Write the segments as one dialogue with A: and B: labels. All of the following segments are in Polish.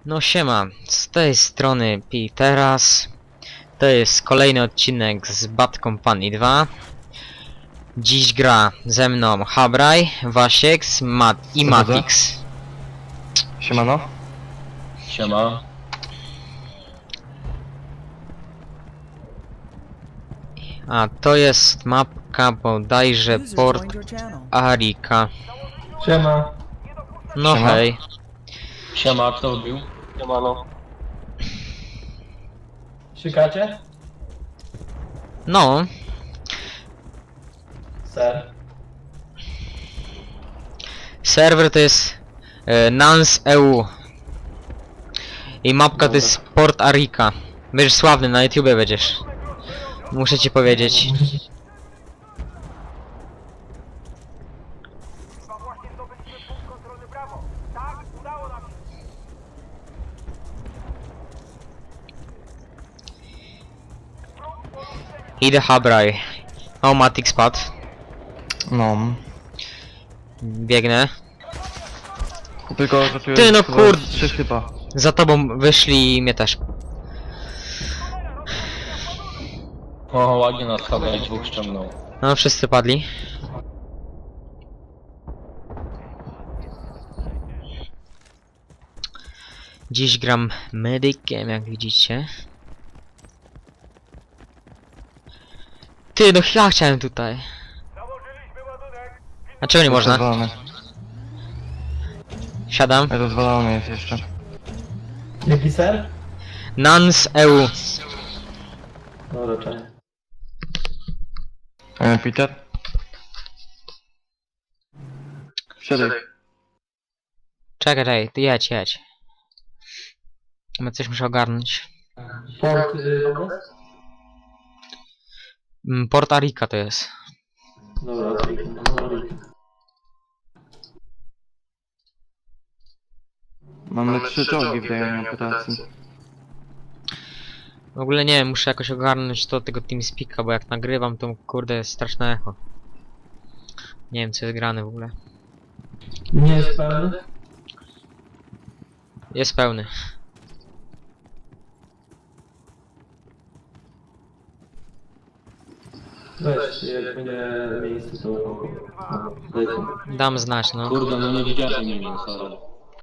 A: No siema, z tej strony Piteras. To jest kolejny odcinek z Bad Company 2. Dziś gra ze mną Habraj, Wasieks, i Matix.
B: Siemano.
C: Siema.
A: A to jest mapka bodajże Port Arika.
B: Siema.
A: No
B: Siema.
A: hej.
C: Siema, kto wbił?
B: Siemano. Szykacie?
A: No,
B: Ser.
A: serwer to jest Nans EU. I mapka to jest Port Arika. Będziesz sławny, na YouTubie będziesz. Muszę ci powiedzieć. Idę Habraj. O, Matix padł.
B: No.
A: Biegnę.
B: Tylko, że tu
A: Ty,
B: jest
A: no
B: chyba
A: kurde.
B: 3 typa.
A: Za tobą wyszli i mnie też.
C: O, ładnie nas chyba dwóch ściągnął.
A: No, wszyscy padli. Dziś gram medykiem, jak widzicie. Ty, no ja chciałem tutaj. A czego nie można?
B: Rozwalony.
A: Siadam.
B: Rozwalony jest jeszcze.
D: Jaki ser?
A: Nans EU.
D: No raczej.
B: Peter? Siadaj.
A: Czekaj, ty jedź. Bo coś muszę ogarnąć.
D: Port Lobres?
A: Port Arika to jest.
D: Dobra, no
B: Mamy 3 czołgi w rejonie operacji.
A: W ogóle nie wiem, muszę jakoś ogarnąć to tego TeamSpeaka, bo jak nagrywam to kurde jest straszne echo. Nie wiem co jest grane w ogóle.
D: Nie jest pełny?
A: Jest pełny.
D: Weź, jak będzie miejsce to... daj to.
A: Dam znać, no.
C: Kurde, no nie widziałem nie wiem, sorry.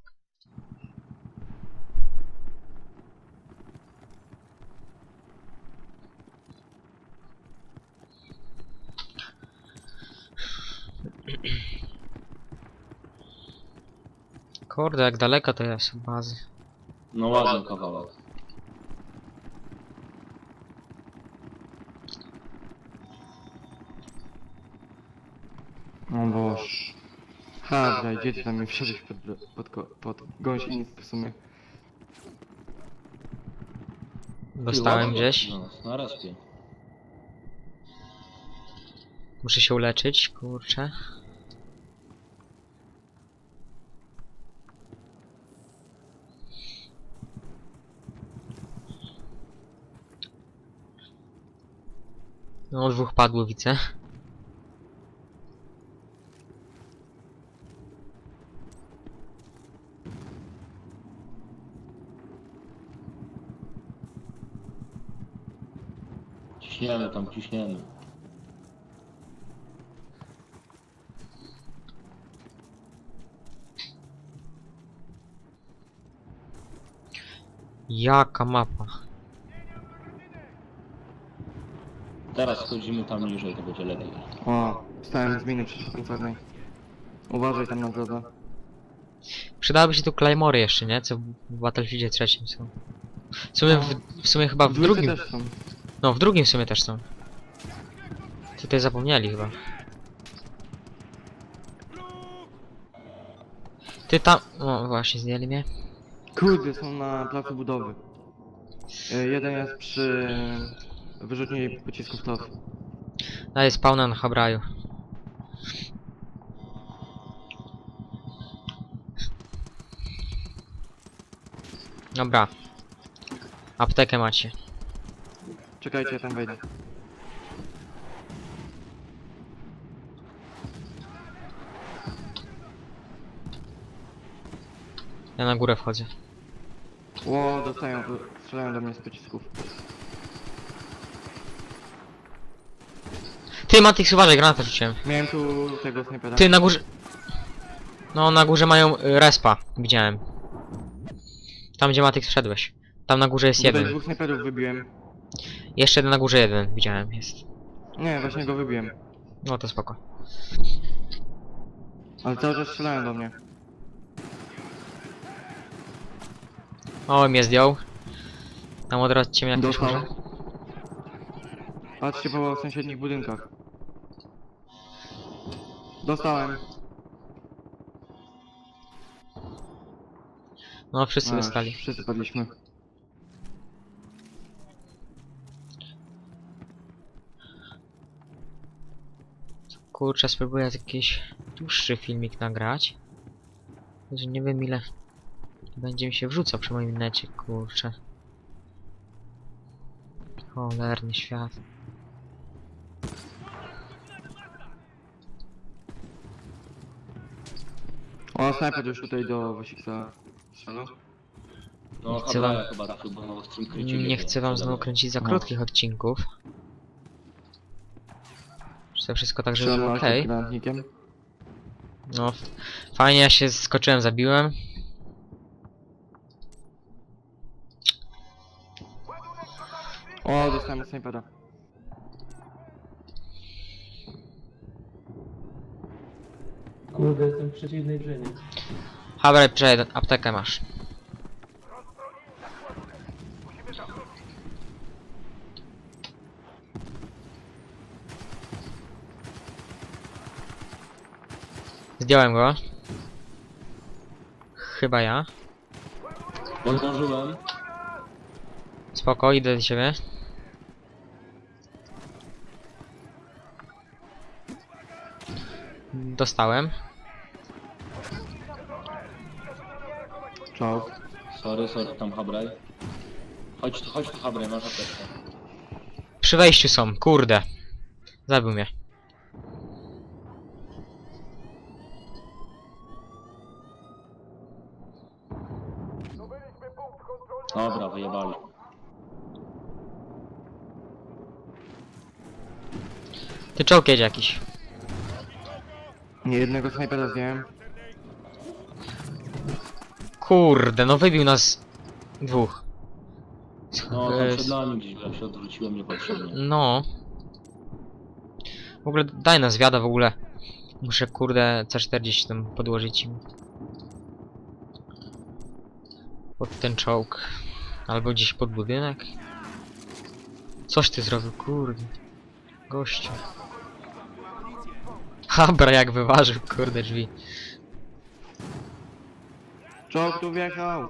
A: Kurde, jak daleko to jest od bazy.
C: No ładny kawałek.
B: O boż. Dobra, gdzie ty tam mi wszedłeś pod gąsienicę w sumie.
A: Dostałem gdzieś.
C: No, na respie.
A: Muszę się uleczyć, kurczę. No, dwóch padło, widzę.
C: Ciśniemy tam, ciśniemy.
A: Jaka mapa?
C: Teraz schodzimy tam niżej, to będzie lepiej.
B: O, stałem z miny przeciwpancernej. Uważaj tam na drodze.
A: Przydałyby się tu Claymory jeszcze, nie? Co w Battlefieldzie trzecim są. W sumie chyba w
B: Dwójce
A: drugim.
B: też są.
A: No, w drugim w sumie też są. Tutaj zapomnieli chyba. Ty tam... O, właśnie, zdjęli mnie.
B: Kurde, są na placu budowy. Jeden jest przy wyrzutni pocisków TOW.
A: Daję spawna na Habraju. Dobra. Aptekę macie.
B: Czekajcie, ja tam wejdę.
A: Ja na górę wchodzę.
B: Ło, strzelają do mnie z pocisków.
A: Ty, Matix, uważaj, granatę rzuciłem.
B: Miałem tu tego snajpera.
A: Ty, na górze... No, na górze mają respa, widziałem. Tam, gdzie Matix wszedłeś. Tam na górze jest
B: Tutaj
A: jeden.
B: dwóch snajperów wybiłem.
A: Jeszcze jeden na górze jeden, widziałem, jest.
B: Nie, właśnie go wybiłem.
A: No to spoko.
B: Ale cały czas strzelają do mnie.
A: O, mnie zdjął. Tam odradźcie mnie jak ktoś
B: Dostał.
A: może.
B: Patrzcie po sąsiednich budynkach. Dostałem.
A: No, wszyscy
B: A,
A: dostali.
B: Wszyscy padliśmy.
A: Kurczę, spróbuję jakiś dłuższy filmik nagrać. Że nie wiem ile będzie mi się wrzucał przy moim necie, kurczę. Cholerny świat.
B: O, snajper już tutaj do Wasiksa strzelał.
C: No,
A: chcę
C: Habraja
A: wam-
C: chyba trafił, bo na ostrym kryciu
A: Nie
C: biegł.
A: chcę wam znowu kręcić za
B: No.
A: krótkich odcinków. Że to wszystko tak, żeby było
B: Strzelam
A: okej.
B: granatnikiem.
A: No, fajnie, ja się skoczyłem, zabiłem.
B: O, dostałem od snajpera.
D: Kurde, jestem w przeciwnej drzwi.
A: Habraj, przejdź, aptekę masz. Zdjąłem go. Chyba ja.
C: Zdążyłem.
A: Spoko, idę do ciebie. Dostałem.
B: Czołg.
C: Sorry, tam Habraj. Chodź tu Habraj, masz apteczkę.
A: Przy wejściu są, kurde. Zabił mnie.
C: Dobra, wyjebali.
A: Ty czołg jedzie jakiś.
B: Nie jednego snajpera zdjąłem.
A: Kurde, no wybił nas dwóch.
C: No, tam
A: Jest-
C: przed nami gdzieś, ja się odwróciłem niepotrzebnie.
A: No. W ogóle daj nas wiada w ogóle. Muszę kurde C40 tam podłożyć im. Pod ten czołg. Albo gdzieś pod budynek. Coś ty zrobił, kurde. Gościu. Habra jak wyważył, kurde drzwi.
B: Czołg tu wjechał.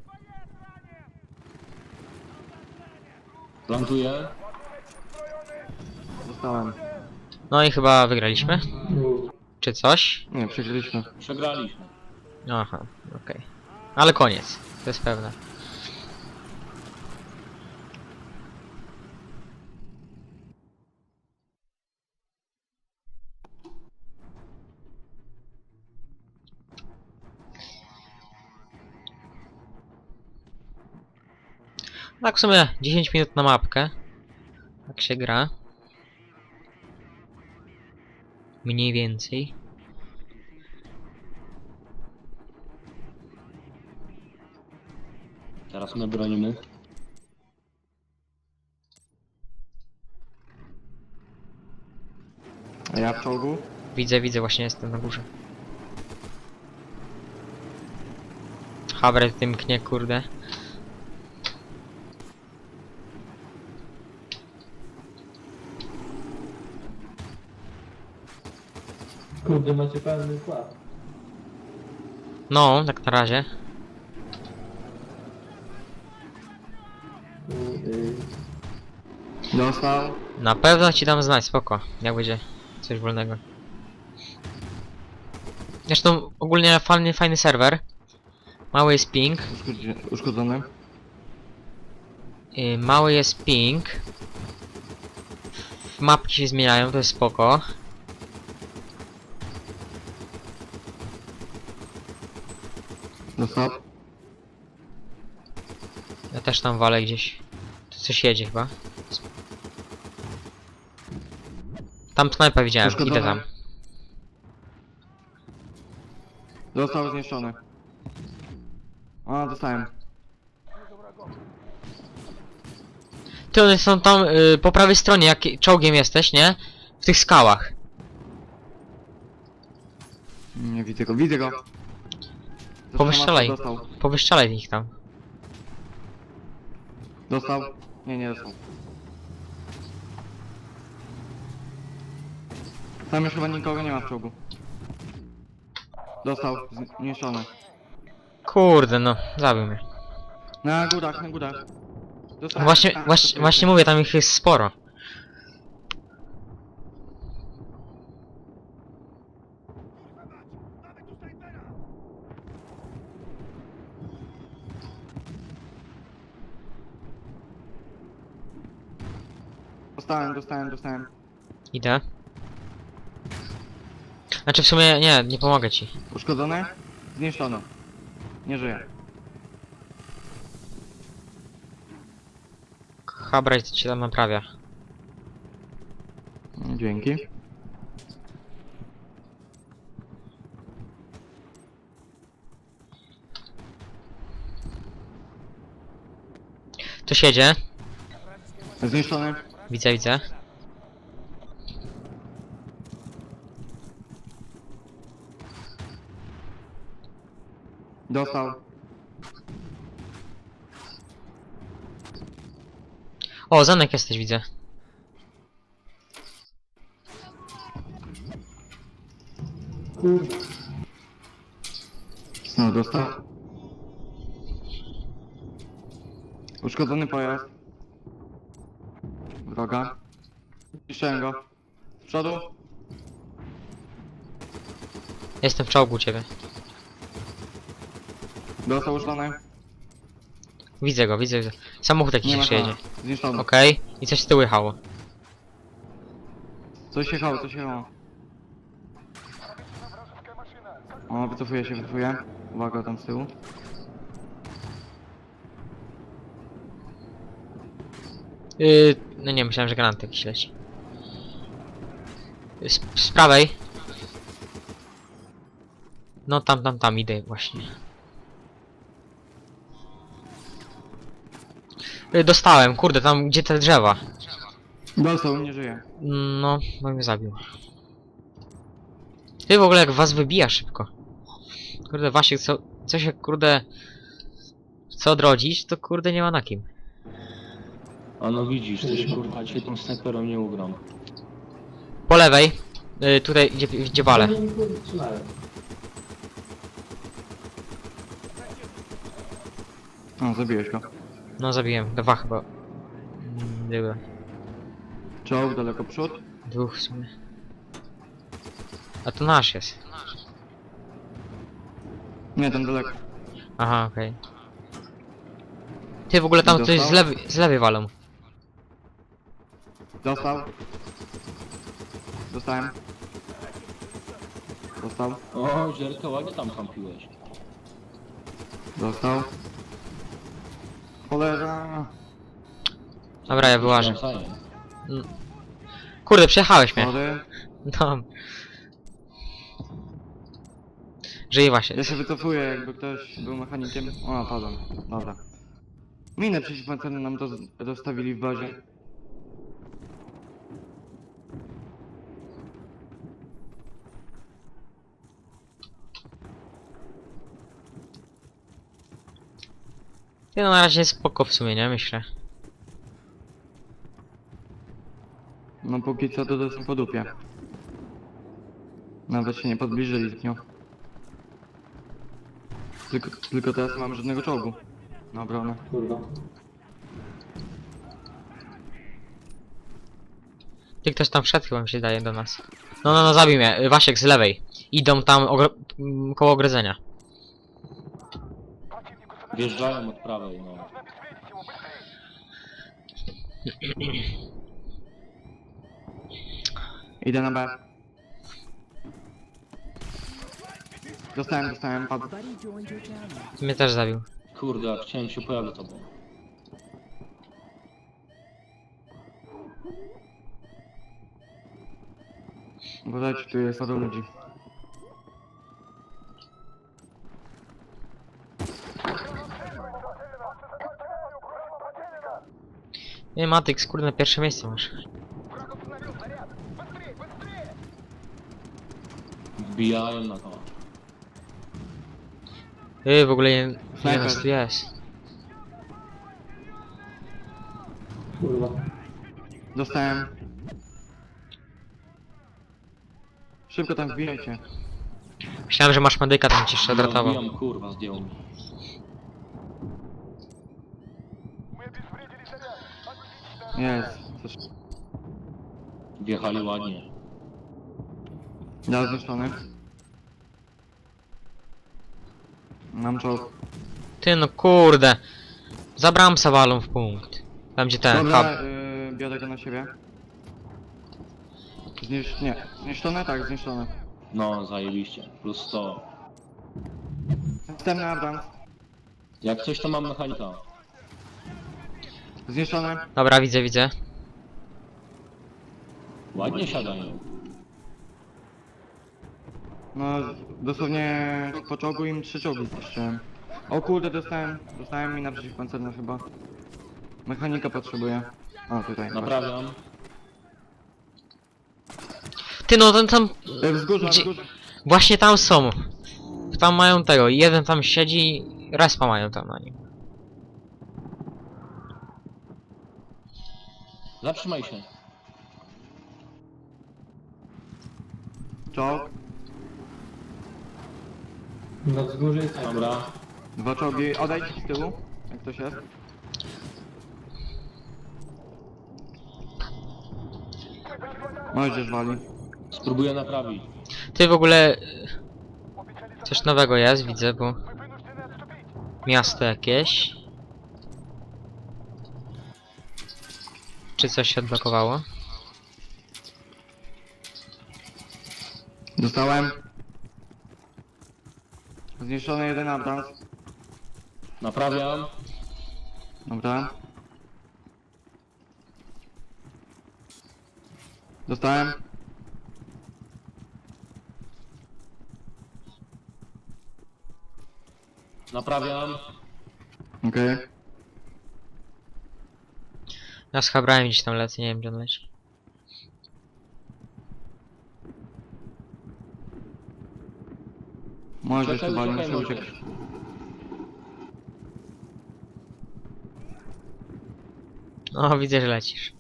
C: Plantuję.
B: Dostałem.
A: No i chyba wygraliśmy.
D: No,
A: Czy coś?
B: Nie, przegraliśmy.
C: Przegraliśmy.
A: Aha, okej. Ale koniec, to jest pewne. Tak w sumie 10 minut na mapkę. Tak się gra. Mniej więcej.
C: Teraz my bronimy.
B: A ja w czołgu?
A: Widzę, właśnie jestem na górze. Habre tym knie, kurde.
D: kurde, macie pełny skład.
A: No, tak na razie.
B: Dostał.
A: Na pewno ci dam znać, spoko. Jak będzie coś wolnego. Zresztą ogólnie fajny serwer. Mały jest ping.
B: Uszkodzony.
A: Mały jest ping. Mapki się zmieniają, to jest spoko.
B: Dostał.
A: Ja też tam walę gdzieś. Tu coś jedzie chyba. Tam snajpa widziałem, idę tam.
B: Został zniszczony. A, dostałem.
A: Ty, one są tam po prawej stronie, jak czołgiem jesteś, nie? W tych skałach.
B: Nie widzę go, widzę go.
A: Powystrzelaj.
B: Dostał.
A: Powystrzelaj ich tam.
B: Dostał? Nie, nie dostał. Tam już chyba nikogo nie ma w czołgu. Dostał, zniszczony.
A: Kurde, no, zabił mnie.
B: Na górach, na górach. Dostałem.
A: Właśnie,
B: Tak,
A: właśnie, właśnie mówię, tam ich jest sporo.
B: Dostałem.
A: Idę. Znaczy w sumie nie pomogę ci.
B: Uszkodzony? Zniszczony. Nie żyje.
A: Habraj cię tam naprawia.
B: Dzięki.
A: Tu siedzie.
B: Zniszczony.
A: Widzę, widzę.
B: Dostał.
A: O, Zanek jesteś, widzę.
B: No, dostał. Uszkodzony pojazd. Wroga. Zniszczyłem go. Z przodu.
A: Jestem w czołgu u ciebie.
B: Dostał uszlony.
A: Widzę go, widzę. Samochód jakiś
B: Nie ma
A: przyjedzie.
B: Zniszczony.
A: Okej. I coś z tyłu jechało.
B: Coś jechało. O, wycofuję się. Uwaga, tam z tyłu.
A: No nie, myślałem, że granat jakiś leci. Z prawej. No tam idę właśnie. Dostałem, kurde, tam gdzie te drzewa.
B: Dostał, nie żyje.
A: No, mnie zabił. Ty w ogóle jak was wybija szybko. Kurde, Wasiek, co się kurde... Co odrodzić, to kurde nie ma na kim.
C: A no widzisz, też kurwa cię tym snajperem nie ugram.
A: Po lewej. Tutaj, gdzie walę.
B: O, zabiłeś go.
A: No zabiłem, dwa chyba. Były.
B: Czołg, daleko przód.
A: Dwóch w sumie. A to nasz jest.
B: Nie, ten daleko.
A: Aha, okej. Ty w ogóle tam coś
B: Dostał?
A: z lewej walą.
B: Dostał. Dostałem. Dostał.
C: O, Zierka, ładnie tam kampiłeś.
B: Dostał. Cholera.
A: Dobra, ja wyłażę.
C: Nawzajem.
A: Kurde, przejechałeś mnie.
B: Sorry.
A: No. Żyje właśnie.
B: Ja się wycofuję, jakby ktoś był mechanikiem. O, padłem. Dobra. Minę przeciwpancerne nam dostawili w bazie.
A: Ty no na razie jest spoko w sumie, nie? Myślę.
B: No póki co to są po dupie. Nawet się nie podbliżyli z nią. Tylko teraz nie mam żadnego czołgu. Na obronę.
D: Kurwa.
A: Ty ktoś tam wszedł chyba mi się daje do nas. No, zabij mnie. Wasiek z lewej. Idą tam koło ogrodzenia.
C: Wjeżdżają od prawej, no.
B: Idę na B. Dostałem, padł.
A: Mnie też zabił.
C: Kurde, chciałem się pojawić tobą.
B: Uważajcie, tu jest paru ludzi.
A: Nie, Matyx, kurde, pierwsze miejsce masz.
C: Wbijają na to.
A: W ogóle nie
B: Snajper.
A: nas tu jest.
D: Kurwa.
B: Dostałem. Szybko tam wbijajcie.
A: Myślałem, że masz medyka, tam ci jeszcze odratował.
C: Wbijam, kurwa, zdjął mi.
B: Jest. Coś.
C: Wjechali ładnie.
B: Ja zniszczony. Mam czołg.
A: Ty no kurde. Zabrałem Sawalą w punkt. Tam gdzie ten hub.
B: Dobra, biorę go na siebie. Nie. Zniszczone? Tak, zniszczone.
C: No, zajebiście. Plus 100.
B: Następny Abrams.
C: Jak coś to mam mechanika.
B: Zniszczone.
A: Dobra, widzę.
C: Ładnie siadają.
B: No, dosłownie po czołgu im 3 czołgi zniszczyłem. O kurde, dostałem mi na przeciwpancerną chyba. Mechanika potrzebuję. O, tutaj.
C: Naprawiam.
A: Ty no, ten tam...
B: Wzgórza,
A: Gdzie-
B: wzgórza.
A: Właśnie tam są. Tam mają tego. Jeden tam siedzi. Respa mają tam na nim.
C: Zatrzymaj się.
B: Czołg.
D: Na wzgórzu jest
C: Dobra.
B: 2 czołgi. Odejdź z tyłu, jak ktoś jest. Możesz wali.
C: Spróbuję naprawić.
A: Ty w ogóle... Coś nowego jest, widzę, bo... Miasto jakieś. Czy coś się odblokowało?
B: Dostałem. Zniszczony jeden Abrams.
C: Naprawiam.
B: Dobra. Dostałem.
C: Naprawiam.
B: Okej.
A: Ja z Habrałem gdzieś tam lecę, nie wiem gdzie on leci.
B: Możesz
C: Czekaj,
B: tu wali,
C: czekaj,
B: muszę
C: możesz.
B: uciekać.
A: O, widzę, że lecisz.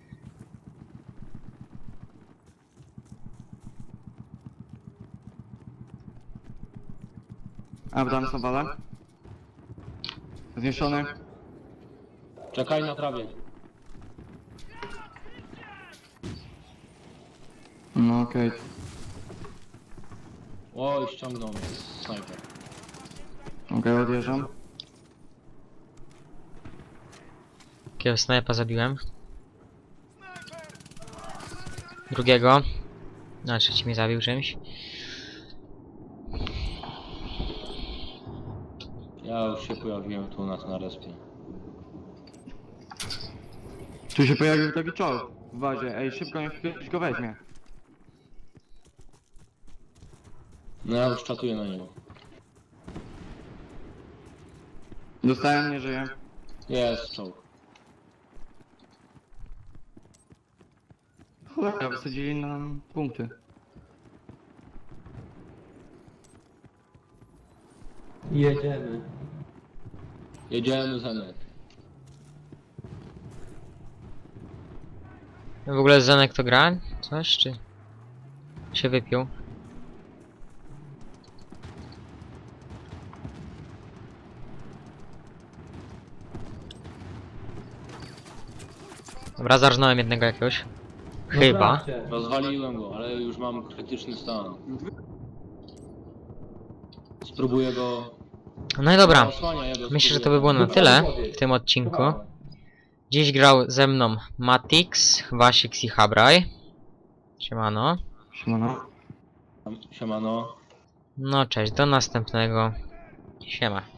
B: Abrams wala. Zniszczony.
C: Czekaj, naprawię.
B: No okej.
C: Oj, ściągnął mnie. Snajper.
B: Okej, odjeżdżam.
A: Jakiego snajpa zabiłem. Drugiego. A trzeci mnie zabił czymś.
C: Ja już się pojawiłem tu u nas na respie.
B: Tu się pojawił taki czołg w bazie. Ej, szybko niech ktoś go weźmie.
C: No ja już czatuję na niego.
B: Dostałem, nie żyję.
C: Jest czołg.
B: Cholera, wysadzili nam punkty.
D: Jedziemy.
C: Jedziemy Zenek.
A: W ogóle Zenek to gra? Coś czy... się wypił? Dobra, zarżnąłem jednego jakiegoś. Chyba.
D: Naprawcie.
C: Rozwaliłem go, ale już mam krytyczny stan. Spróbuję go...
A: No i dobra.
C: Osłania, ja go
A: Myślę, że to
C: spróbuję.
A: by było na tyle w tym odcinku. Dziś grał ze mną Matix, Wasix i Habraj. Siemano.
B: Siemano.
C: Siemano.
A: No cześć, do następnego. Siema.